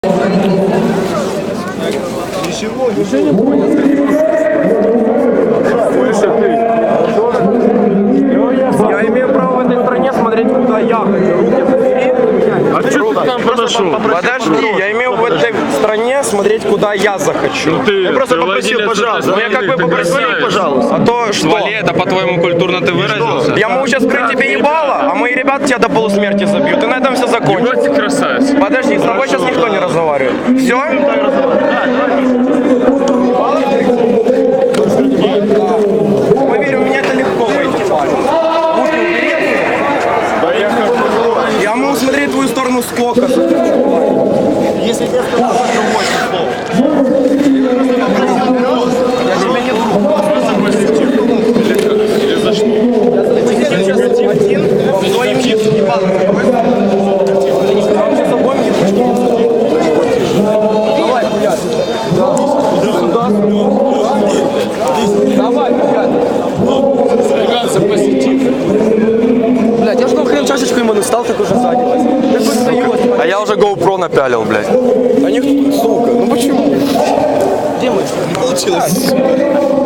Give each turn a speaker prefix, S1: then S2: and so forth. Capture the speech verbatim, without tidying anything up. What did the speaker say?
S1: Ничего, ничего не понял.
S2: Я имею право в этой стране смотреть, куда я хочу. Руки забери.
S1: А что ты там подошел?
S2: Подожди, я имею в этой стране смотреть, куда я захочу.
S1: Ты,
S2: я просто
S1: ты
S2: попросил, пожалуйста.
S1: Ну
S2: я как бы попросил, пожалуйста. А то что?
S3: Вали, это по-твоему культурно ты выразился?
S2: Я могу сейчас скрыть тебе ебало, а мои ребята тебя до полусмерти забьют. И на этом все закончится.
S1: Вот ты красавец.
S2: Подожди, с тобой сейчас никто не разговаривает. Все? Поверь, у меня это легко выйти. Руки убери.
S1: Да я как
S2: Я могу смотреть в твою сторону сколько.
S1: Если я сказал, что восемь слов.
S2: Я тебя не друг.
S1: Или за что?
S2: Один, твоим ебалом. Сейчас обоим ебучки. Давай, блядь. Давай, блядь.
S1: Срегаться позитив.
S2: Блядь, я же на хрен чашечку ему настал, так уже сзади. Так вот встает.
S3: А я уже GoPro напялил, блядь.
S2: А них, сука, ну почему? Где мы?
S1: Получилось.